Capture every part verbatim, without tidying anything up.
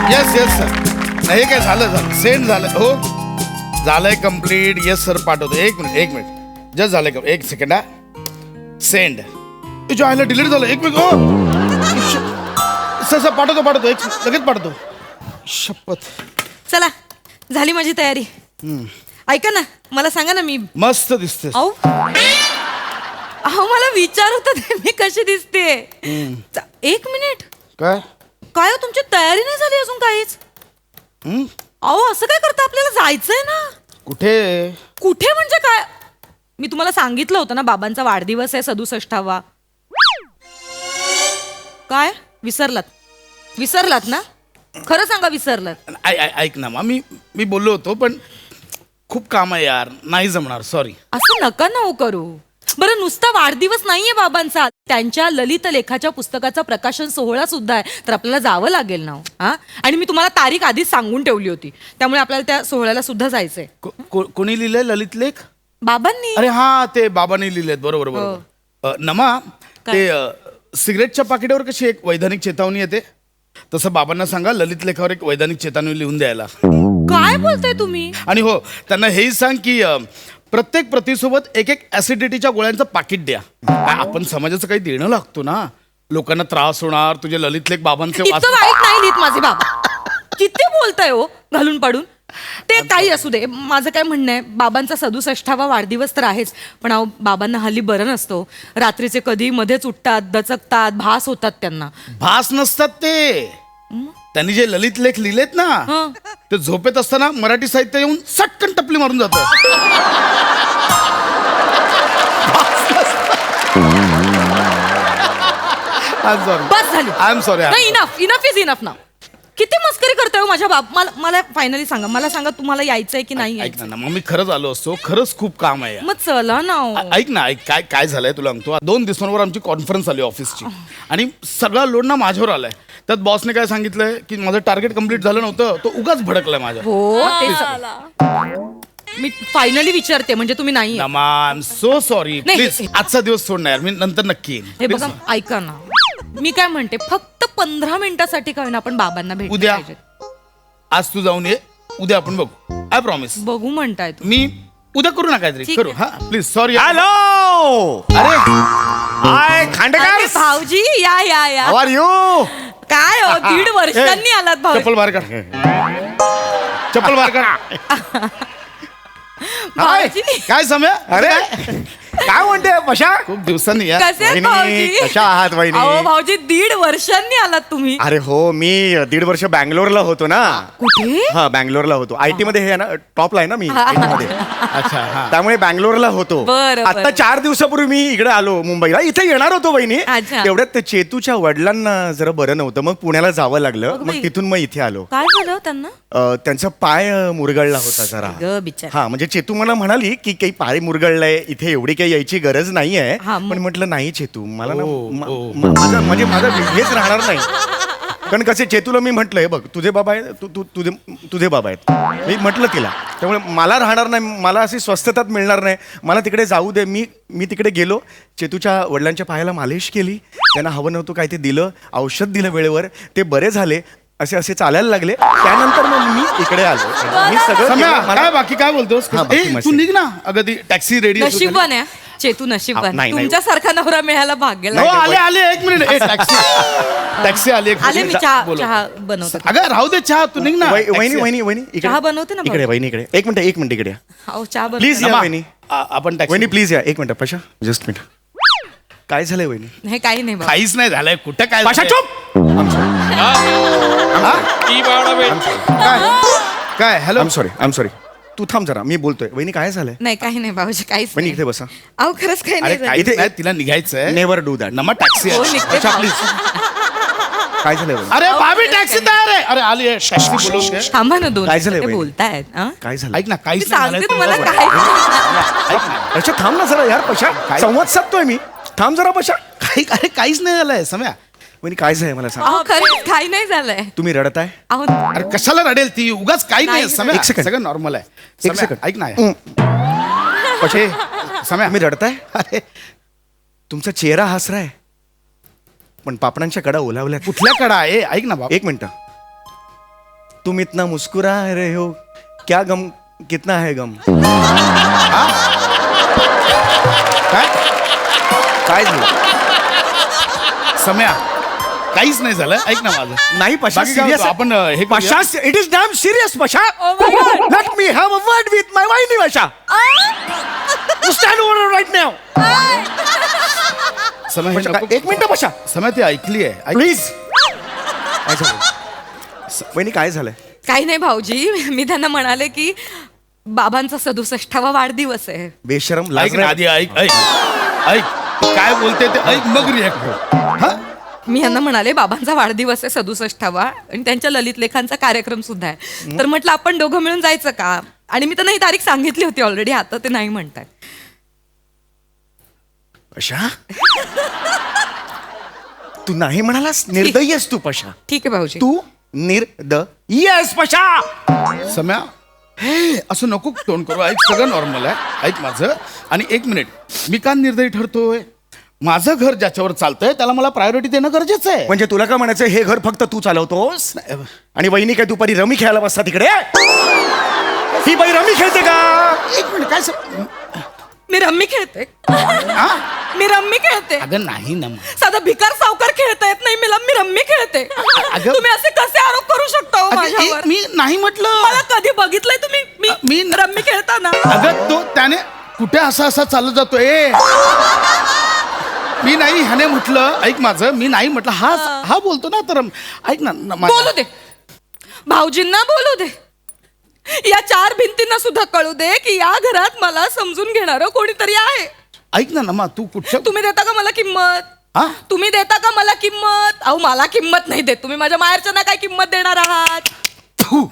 Yes yes sir. नाही काय झालं झालं सेंड झालं हो झालंय कम्प्लीट. येस सर पाठवतो. एक मिनिट एक मिनिट जस्ट झालंय का एक सेकंड हा. सेंड तुझ्या आईला डिलीट झालं. एक मिनिट हो सर सर पाठवतो पाठवतो एक लगेच पाठवतो. शपथ. चला झाली माझी तयारी. ऐका ना मला सांगा ना मी मस्त दिसते. अहो अहो मला विचार होता ते मी कशी दिसते. एक मिनिट काय काय हो, तुमची तयारी नाही झाली अजून काहीच. हम्म? अहो असं काय करता आपल्याला जायचंय ना. कुठे कुठे म्हणजे काय मी तुम्हाला सांगितलं होतं ना बाबांचा वाढदिवस आहे सदुसष्टावा. काय विसरलात विसरलात ना खरं सांगा विसरलात. ऐ- ऐ- ऐक ना मी मी बोललो होतो पण खूप काम आहे यार नाही जमणार सॉरी. असं नका ना हो करू. बरं नुसता वाढदिवस नाहीये बाबांचा त्यांच्या ललित लेखाच्या पुस्तकाचा प्रकाशन सोहळा सुद्धा आहे तर आपल्याला जावं लागेल ना. हा आणि मी तुम्हाला तारीख आधीच सांगून ठेवली होती त्यामुळे आपल्याला त्या सोहळ्याला सुद्धा जायचंय. को- को- कोणी लिहिलंय ललित लेख. बाबांनी. अरे हा ते बाबांनी लिहिलेत बरोबर बरोबर. अ, नमा ते अ, सिगरेटच्या पाकिटावर कशी एक वैधानिक चेतावणी येते तसं बाबांना सांगा ललित लेखावर एक वैधानिक चेतावणी लिहून द्यायला. काय बोलताय तुम्ही. आणि हो त्यांना हेही सांग की अ, प्रत्येक प्रतीसोबत एक एक ऍसिडिटीच्या गोळ्यांचं पाकिट द्या. काय आपण समाजाचं काही देणं लागतो ना. लोकांना त्रास होणार तुझे ललित लेख बाबांचे इतकं वाच- वाईट नाही लिहित माझे बाबा. किती बोलताय हो घालून पाडून. ते काही असू दे माझं काय म्हणणं आहे बाबांचा सदुसष्टावा वाढदिवस तर आहेच पण अहो बाबांना हल्ली बरं नसतो. रात्रीचे कधी मध्येच उठतात दचकतात भास होतात त्यांना. भास नसतात ते. त्यांनी जे ललित लेख लिहिलेत ना हं. ते झोपेत असताना मराठी साहित्य येऊन सटकन टपली मारून जात. बस झाली. I am sorry. नाही इनफ इनफ इज इनफ ना. किती मस्करी करताय हो माझ्या बाप. मला मला फायनली सांगा मला सांगा तुम्हाला यायचंय की नाही ऐक ना यायचं. ना, मग मी खरंच आलो असतो. खरंच खूप काम आहे यार. मग चला ना हो. ऐ- ऐक ना ऐक काय काय झालंय तुला सांगतो. दोन दिवसांवर आमची कॉन्फरन्स आली ऑफिसची आणि सगळा लोड ना माझ्यावर आलाय. त्यात बॉसने काय सांगितलंय की माझं टार्गेट कम्प्लीट झालं नव्हतं तो उगाच भडकलाय माझ्या. हो ते स- मी फायनली विचारते म्हणजे तुम्ही नाही. नमा आय एम सो सॉरी. नाही. प्लीज आजचा दिवस सोड ना यार मी नंतर नक्की येईन. हे Please. बघा ऐका ना मी काय म्हणते फक्त पंधरा मिनिटासाठी काय ना आपण बाबांना भेट उद्या आज तू जाऊन ये उद्या आपण बघू. I promise. बघू म्हणताय तुम्ही. मी उद्या करू ना काहीतरी ठीक करू. आहे. हा प्लीज सॉरी. हॅलो अरे हाय अरे खांडेकर भाऊजी या या या हाऊ आर यू काय हो दीड वर्षांनी आलात भाऊ. चप्पल बाहेर काढ. चप्पल बाहेर काढ. भाऊजी काय समय अरे काय म्हणते पशा खूप दिवसांनी यार. कसे आहेत वहिनी, भाऊजी. कशा आहात वहिनी? अहो भाऊजी दीड वर्षांनी आलात तुम्ही. अरे हो मी दीड वर्ष बँगलोरला होतो ना. कुठे हा बँगलोरला होतो. आयटी मध्ये हे आहे ना टॉपला आहे ना मी IT मध्ये. अच्छा हा त्यामुळे बँगलोरला होतो. बरं, आता बरं. चार दिवसापूर्वी मी इकडे आलो मुंबईला. इथे येणार होतो बहिणी. अच्छा. तेवढ्यात ते चेतूच्या वडिलांना जरा बरं नव्हतं मग पुण्याला जावं लागलं. अगं बाई. मग तिथून मग इथे आलो. काय झालं हो त्यांना. अ, त्यांचा पाय अ, मुरगळला होता जरा. ग बिचार. हा म्हणजे चेतू मला म्हणाली की काही पाय मुरगळलाय इथे एवढी काही यायची गरज नाहीये. हा, मग- पण म्हटलं नाही चेतू मला ना ओ, मा- ओ. मा- माझं म्हणजे माझं हेच राहणार नाही. कारण कसे चेतूला मी म्हटलंय बघ तुझे बाबा आहेत तू तू तुझे तुझे बाबा आहेत मी म्हटलं तिला. त्यामुळे मला राहणार नाही मला अशी स्वस्थतात मिळणार नाही. मला तिकडे जाऊ दे. मी मी तिकडे गेलो चेतूच्या वडिलांच्या पायाला मालिश केली. त्यांना हवं नव्हतं काय ते दिलं औषध दिलं वेळेवर ते बरे झाले. असे असे चालायला लागले. त्यानंतर मग मी इकडे आलो. मी सगळं सम्या, केलं. मला- काय बाकी काय बोलतोस. हा, बाकी ए, मस्त. तू निघ ना अगं ती टॅक्सी रेडी. नशीबवान आहे चेतू नशीबवान. हा, नाही, नाही. तुमच्यासारखा नवरा मिळायला भाग्य हो लागलं. आले आले एक मिनिट. ए, टॅक्सी टॅक्सी आली एक आले मी मिनिट. चहा बोलो. चहा बनवते. अगं राहू दे चहा तू निघ ना. वही- वहिनी टॅक्सी. वहिनी वहिनी इकडे चहा बनवते ना इकडे भाऊ. वहिनी इकडे एक मिनिट एक मिनिट इकडे या. अहो चहा प्लीज बनवते. या नमा, वहिनी. आ- आपण टॅक्सी वहिनी प्लीज या एक मिनिट पशा जस्ट मिनिट. काय झालंय वहिनी. नाही काही नाही भाऊ. काहीच नाही झालंय कुठं काय पशा झालंय? चुप. काय काय hello. I am sorry I am sorry तू थांब जरा मी बोलतोय. वहिनी काय झालंय. नाही काही नाही भाऊजी काहीच वहिनी नाही. इथे बसा. अहो खरंच काही अरे नाही झालं. काहीच नाही तिला निघायचंय. Never do that. नमा टॅक्सी हो, आहे. निघते अच्छा, भाऊ. प्लीज. काय झालंय वहिनी. अरे अहो, भाभी खरंच टॅक्सी काही तयार आहे. अरे आली आहे टॅक्सी बोलवते. थांबा ना दोन काय झालंय मिनिटं, ते वहिनी? बोलतायत हा? काय झालं. ऐक ना मी काहीच नाही सांगते झालंय. तुम्हाला बरोबर. काय. ऐक ना. अच्छा थांब ना जरा यार पशा काय? संवाद साधतोय मी. थांब जरा पशा. काही अरे काहीच नाही झालंय सम्या. वहिनी काय झालंय मला सांग. अहो खरंच काही नाही झालंय. तुम्ही रडताय. अहो अरे कशाला रडेल ती उगाच काही नाही नाही, सम्या. एक सेकंड. सगळं नॉर्मल आहे. एक सम्या, सेकंड. ऐक ना हं. पशे सम्या तुम्ही रडताय. अरे तुमचा चेहरा हसराय पण पापडांच्या कडा ओलावल्या. कुठल्या कडा आहे ऐक ना बाबा. एक मिनिट तुम इतना मुस्कुरा रहे हो क्या गम कितना है गम काय काय झालं सम्या काहीच नाही झालं ऐक ना माझं नाही पशा बाकी काय सिरियस होतं? आपण, अं, हे करूया? Pasha it is damn serious Pasha Oh my God. Let me have a word with my वाईनी पशा स्टँड ओव्हर राईट नाव सम्या हे नको- एक मिनिट पशा सम्या ती ऐकली आहे ऐक- प्लीज काय झालं वहिनी काय झालंय काही नाही भाऊजी मी त्यांना म्हणाले की बाबांचा सदुसष्टावा वाढदिवस आहे बेशरम ऐक लाज ना नाही. आधी ऐक ऐक ऐक काय बोलते ते ऐक मग रिॲक्ट हा मी यांना म्हणाले बाबांचा वाढदिवस आहे सदुसष्टावा आणि त्यांच्या ललित लेखांचा कार्यक्रम सुद्धा आहे तर म्हटलं आपण दोघं मिळून जायचं का आणि मी त्यांना ही तारीख सांगितली होती ऑलरेडी आता ते नाही म्हणतात पशा तू नाही म्हणालास निर्दयी आहेस तू पशा ठीक आहे भाऊजी तू निर्द येस पशा सम्या हे असं नको तोंड करू ऐक सगळं नॉर्मल आहे ऐक माझं आणि एक मिनिट मी का निर्दयी ठरतोय माझं घर ज्याच्यावर चालतंय त्याला मला प्रायोरिटी देणं गरजेचं आहे म्हणजे तुला काय म्हणायचं हे घर फक्त तू चालवतोस आणि वहिनी काय दुपारी रमी खेळायला बसता तिकडे ही बाई रमी खेळते का एक मिनिट काय स- मी रम्मी खेळते हा? मी रम्मी खेळते अगं नाही ना मग. साधा भिकार सावकार खेळता येत नाही मला मी रम्मी खेळते अगं- तुम्ही असे कसे आरोप करू शकता हो अगं, माझ्यावर एक- मी नाही म्हटलं मला कधी बघितलंय तुम्ही मी मी- रम्मी खेळताना अगं तो त्याने कुठे असा असा चालत जातोय मी नाही ह्याने म्हटलं ऐक माझं मी नाही म्हटलं हा हा बोलतो ना तर ऐक ना न- मा- बोलू दे भाऊजींना बोलू दे या चार भिंतींना सुद्धा कळू दे की या घरात मला समजून घेणारं कोणीतरी आहे ऐक ना नमा तू कुठच्या तुम्ही देता का मला किंमत हा तुम्ही देता का मला किंमत अहो मला किंमत नाही देत तुम्ही माझ्या माहेरच्यांना काय किंमत देणार आहात थू.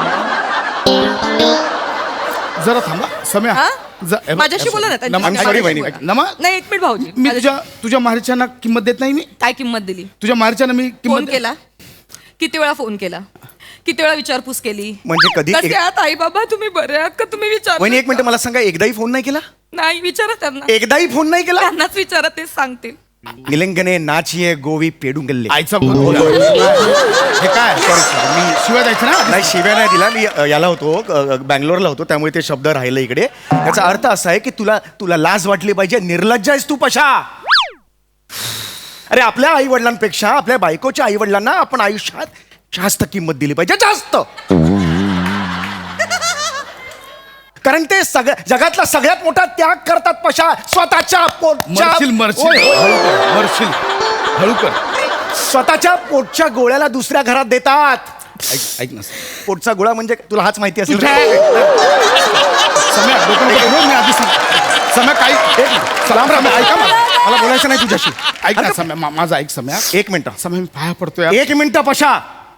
जरा थांबा सम्या हा? ज- हे बघ, माझ्याशी बोला ना, त्यांच्याशी नमा, I'm बोला. sorry, ऐक- वहिनी. ऐक- नमा नाही एक मिनिट भाऊजी मी माझ्याशी- तुझ्या तुझ्या माहेरच्यांना किंमत देत नाही मी काय किंमत दिली तुझ्या माहेरच्यांना मी फोन किंमत केला किती वेळा फोन केला किती वेळा विचारपूस केली म्हणजे कधी कसे एक- आहात आई बाबा तुम्ही बरे आहात का तुम्ही विचार वहिनी एक मिनिट मला सांगा एकदाही फोन नाही केला नाही विचारा त्यांना एकदाही फोन नाही केला त्यांनाच विचारा तेच सांगतील निलंगने नाचिये गोवी पेडुंगल्ले आईचा फोन हे काय मी शिवाय द्यायचं ना नाही शिव्या नाही दिला मी अ, याला होतो अ, अ, बँगलोरला होतो त्यामुळे ते शब्द राहिले इकडे त्याचा अर्थ असा आहे की तुला तुला लाज वाटली पाहिजे निर्लज्ज आहेस तू पशा अरे आपल्या आई वडिलांपेक्षा आपल्या बायकोच्या आई वडिलांना आपण आयुष्यात जास्त किंमत दिली पाहिजे जास्त कारण ते सगळ्या जगातला सगळ्यात मोठा त्याग करतात पशा स्वतःच्या पोटच्या मरशील मरशील ओय, ओय. हळू कर, मरशील हळू कर स्वतःच्या पोटच्या गोळ्याला दुसऱ्या घरात देतात ऐक ऐक ना पोटचा गोळा म्हणजे तुला हाच माहिती असेल तुझ्या- सम्या डोकं नको फिरवू, मी आधी सांग सम्या काही एक राम राम ऐका मला मला बोलायचं नाही तुझ्याशी ऐक ना सम्या मा- माझा ऐक सम्या एक मिनिट सम्या मी पाया पडतोय यार. एक मिनिट पशा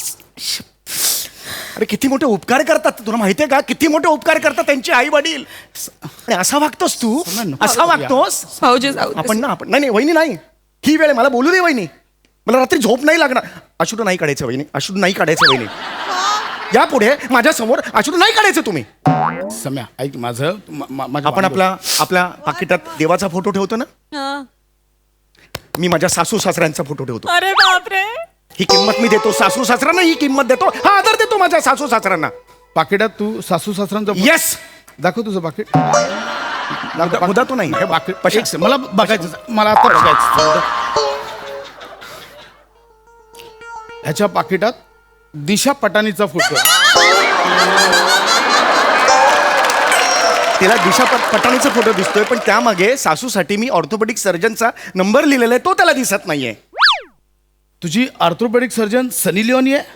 अरे किती मोठे उपकार करतात तुला माहितीये का किती मोठे उपकार करतात त्यांचे आई वडील आणि असा वागतोस तू समय नको असा करूया. वागतोस भाऊजी जाऊ दे. आपण ना आपण नाही नाही वहिनी नाही ही वेळ आहे, मला बोलू दे वहिनी मला रात्री झोप नाही लागणार अश्रू नाही काढायचं वहिनी अश्रू नाही काढायचं वहिनी यापुढे माझ्या समोर अश्रू नाही काढायचं तुम्ही सम्या ऐक माझं मा- मा- माझ्या आपण आपला आपल्या पाकिटात देवाचा फोटो ठेवतो ना हा. मी माझ्या सासू सासऱ्यांचा फोटो ठेवतो अरे बापरे ही किंमत मी देतो सासू सासऱ्यांना ही किंमत देतो हा आदर देतो माझ्या सासू सासऱ्यांना पाकिटात तू सासू सासऱ्यांचं येस दाखव तुझं पाकिट मुद्दा तो नाही हे पाकिट पशा- एक से- मला बघायचं मला आता बघायचं ह्याच्या पाकिटात दिशा पटानीचा फोटो आहे. तिला दिशा पट- पटाणीचा फोटो दिसतोय पण त्यामागे सासूसाठी मी ऑर्थोपेडिक सर्जनचा नंबर लिहिलेला आहे तो त्याला दिसत नाहीये तुझी ऑर्थोपेडिक सर्जन सनी लिओनी आहे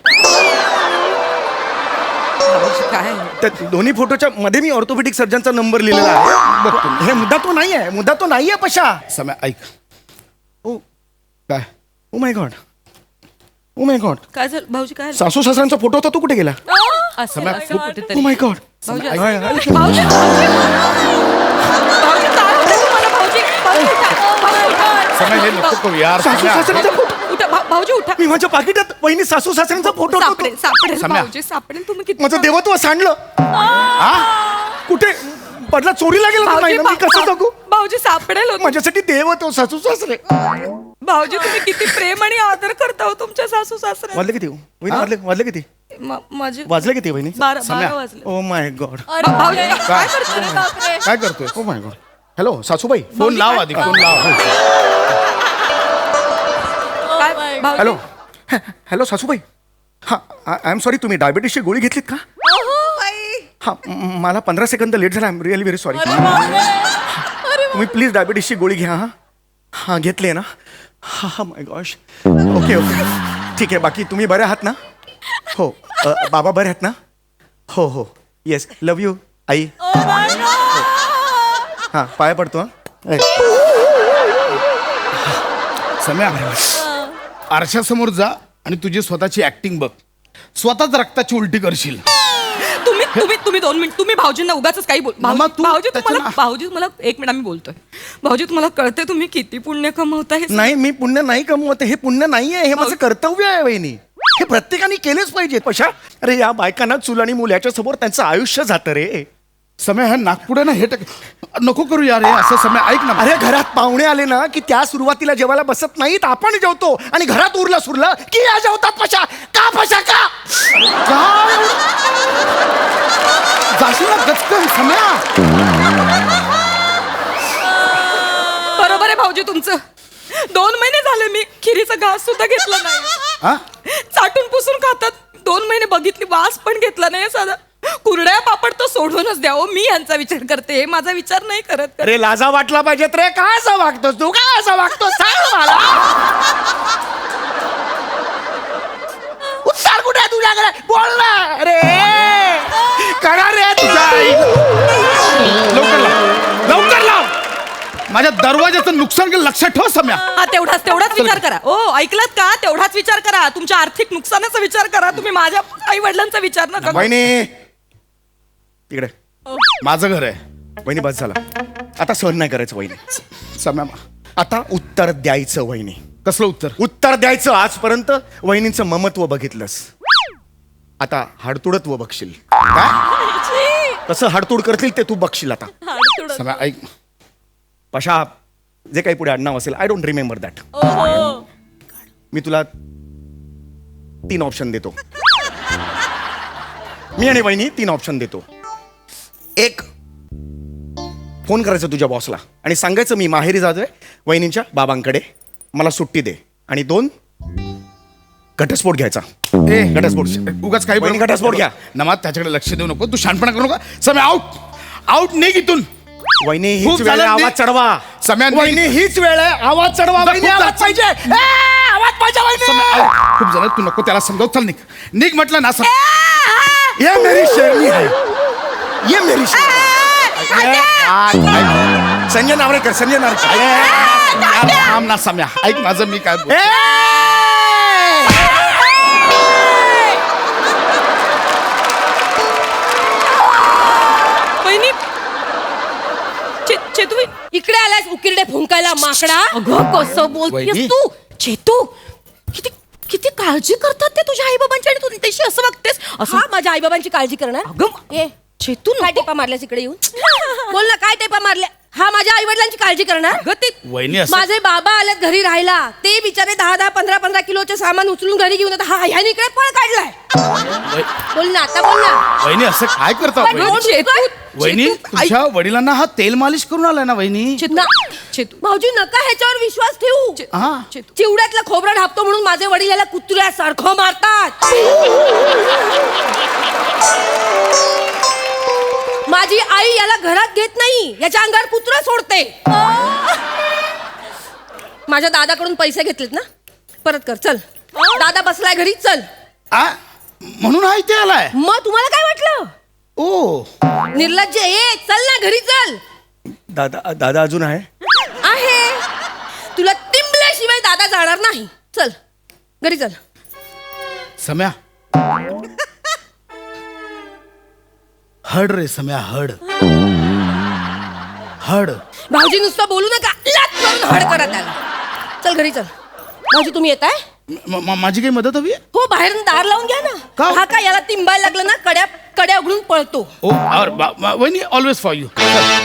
भाऊजी काय त्या दोन्ही फोटोच्या मध्ये मी ऑर्थोपेडिक सर्जनचा नंबर लिहिलेला आहे बघ तुम्ही. हे मुद्दा तो नाहीये मुद्दा तो नाहीये पशा सम्या ऐक ओ काय ओ my God O my God काय झालं भाऊजी काय झालं? सासू सासऱ्यांचा फोटो होता तो कुठे गेला असेल, समय- असेल ओ कुठेतरी. माय गॉड भाऊजी ऐक- असेल. ऐक- भाऊजी भाऊजी भाऊजी काय होतंय तुम्हाला भाऊजी भाऊजी उठा. भाऊजी उठा. समय हे नको करू यार सासू सम्या. सासऱ्यांचा फोटो उठा भा- भाऊजी उठा मी माझ्या पाकिटात वहिनी सासू सासऱ्यांचा फोटो होता तो. सापडेल सापडेल सम्या. भाऊजी सापडेल तुम्ही किती माझं देवत्व सांडलं कुठे पडला चोरीला गेला तर नाही भाऊजी ना, मी कसं भा- जगू भाऊजी सापडेल हो. माझ्यासाठी देवत्व सासू सासरे भाऊजी तुम्ही किती प्रेम आणि आदर करता हो तुमच्या सासू सासऱ्या वाजले किती हो? वहिनी वाजले वाजले किती म- माझे वाजले किती वहिनी बारा सम्या. बारा वाजले ओ माय गॉड अरे भाऊजी, बापरे. काय करतोय? अरे बापरे. काय करतोय ओ माय गॉड हॅलो सासूबाई फोन लाव आधी फोन लाव काय- Oh my God. भाऊजी, हॅलो हॅलो सासूबाई हां आय एम सॉरी तुम्ही डायबिटीसची गोळी घेतलीत का अहो, बाई. हां म- मला पंधरा सेकंद लेट झाला I am really very sorry अरे बापरे. अरे तुम्ही प्लीज डायबिटीसची गोळी घ्या हां हां घेतली आहे ना हां हां माय गॉश ओके ओके ठीक आहे बाकी तुम्ही बरे आहात ना हो अ, बाबा बरे आहेत ना हो हो येस लव यू आई Oh my God. हां पाया पडतो हां सम्या आरशासमोर जा आणि तुझी स्वतःची ऍक्टिंग बघ स्वतःच रक्ताची उलटी करशील तुम्ही तुम्ही तुम्ही दोन मिनिट तुम्ही भाऊजींना उगाच काही बोल मामा, भाऊजी तू भाऊजी त्याच्या तुम्हाला ना- भाऊजी तुम्हाला एक मिनिट आम्ही बोलतोय भाऊजी तुम्हाला कळते तुम्ही किती पुण्य कमवता हे नाही मी पुण्य नाही कमवत हे पुण्य नाही आहे हे माझं कर्तव्य आहे वहिनी हे प्रत्येकाने केलेच पाहिजे पशा अरे या बायकांना चूल आणि मुलाच्या समोर त्यांचं आयुष्य जातं रे समय हा नागपुडे ना हे टाक नको करू यार हे असं समय ऐक ना अरे घरात पाहुणे आले ना की त्या सुरुवातीला जेवायला बसत नाहीत आपण जेवतो आणि घरात उरलं सुरलं की या जेवतात पशा का पशा का काय जाशील ना गचकन सम्या बरोबर आहे भाऊजी तुमचं दोन महिने झाले मी खिरीचा घास सुद्धा घेतला नाही हा चाटून पुसून खातात दोन महिने बघितली वास पण घेतला नाही साधा कुरड्या पापड तो सोडूनच द्या हो मी यांचा विचार करते माझा विचार नाही करत अरे लाजा वाटला पाहिजेत रे काय असं वागतोस तू काय असं वागतोस सांग मला उत्तर कुठे आहे तुझ्याकडे बोल ना अरे करा रे तुझ्या लवकर लाव लवकर लाव माझ्या दरवाजाचं नुकसान केलं लक्षात ठेव सम्या हा तेवढाच तेवढाच विचार करा ओ ऐकलात का तेवढाच विचार करा तुमच्या आर्थिक नुकसानाचा विचार करा तुम्ही माझ्या आई वडिलांचा विचार नका करू. वहिनी तिकडे माझं घर आहे वहिनी बस झाला आता सहन नाही करायचं वहिनी सम्या आता उत्तर द्यायचं वहिनी कसलं उत्तर उत्तर द्यायचं आजपर्यंत वहिनींचं ममत्व बघितलंस आता हाडतुडत्व बघशील काय कसं हाडतूड करतील ते तू बघशील आता हाडतुडं. सम्या ऐक पशा जे काही पुढे आडनाव असेल आय डोंट रिमेंबर दॅट ओहो. मी तुला तीन ऑप्शन देतो मी आणि वहिनी तीन ऑप्शन देतो एक फोन करायचं तुझ्या बॉसला आणि सांगायचं मी माहेरी जातोय वहिनींच्या बाबांकडे मला सुट्टी दे आणि दोन घटस्फोट घ्यायचा ए घटस्फोट उगाच काही वहिनी, घटस्फोट घ्या. नमाज त्याच्याकडे लक्ष देऊ नको तू शानपणा करू नका समय आउट आउट निघ इथून वहिनी खूप हीच वेळ झालं, आहे, मी- आवाज चढवा सम्या, मी- वहिनी हीच वेळ आहे आवाज चढवा वहिनी खूप आवाज झालं. पाहिजे ए, आवाज पाहिजे वहिनी समय out. खूप झालं तू नको त्याला समजाव चल निघ निघ म्हटलं ना सम- ये मेरी शेरनी है ये मेरी शेरनी संजय नावरेकर संजय नावरेकर थांब ना सम्या ऐक माझं मी काय बोल- वहिनी चे- चेतू वहिनी, इकडे आलास उकिरडे फुंकायला माकडा अगं कसं बोलतेस वहिनी. तू चेतू किती किती काळजी करतात ते तुझ्या आई बाबांची आणि तू त्याशी असं वागतेस असं हा माझ्या आईबाबांची काळजी करणार अगं ए चेतू काय टेपा मारल्यास इकडे येऊन बोल ना काय टेपा मारल्या हा माझ्या आई वडिलांची काळजी करणार अगं ते वहिनी असं माझे बाबा आलेत घरी राहायला ते बिचारे दहा दहा पंधरा पंधरा किलोचे सामान उचलून घरी घेऊन येतात. हा ह्याने इकडे पळ काढलाय वह- बोल ना आता बोल ना वहिनी असं काय करता पण वहिनी बोल. चेतू वहिनी चेतू, ऐक- तुझ्या वडिलांना हा तेल मालिश करून आलाय ना वहिनी चेतू ना. चेतू भाऊजी नका ह्याच्यावर विश्वास ठेवू हा चेतू चिवड्यातला खोबरा ढापतो म्हणून माझे वडील याला कुत्र्यासारखं मारतात माझी आई याला घरात घेत नाही याच्या अंगावर कुत्रा सोडते माझ्या दादाकडून पैसे घेतलेत ना परत कर चल दादा बसलाय घरी चल आ? म्हणून हा इथे आलाय मग तुम्हाला काय वाटलं ओ निर्लज्ज ये चल ना घरी चल दादा दादा अजून आहे आहे तुला तिंबल्याशिवाय दादा जाणार नाही चल घरी चल सम्या हड रे सम्या हड हड भाऊजी नुसतं बोलू नका लाथ मारून हड करा त्याला चल घरी चल भाऊजी तुम्ही येताय म- म- माझी काही मदत हवी आहे? हो बाहेर दार लावून घ्या ना का? हा काय याला तिंबायला लागलं ना कड्या कड्या उघडून पळतो ओ और बा- बा- वहिनी ऑलवेज फॉर यू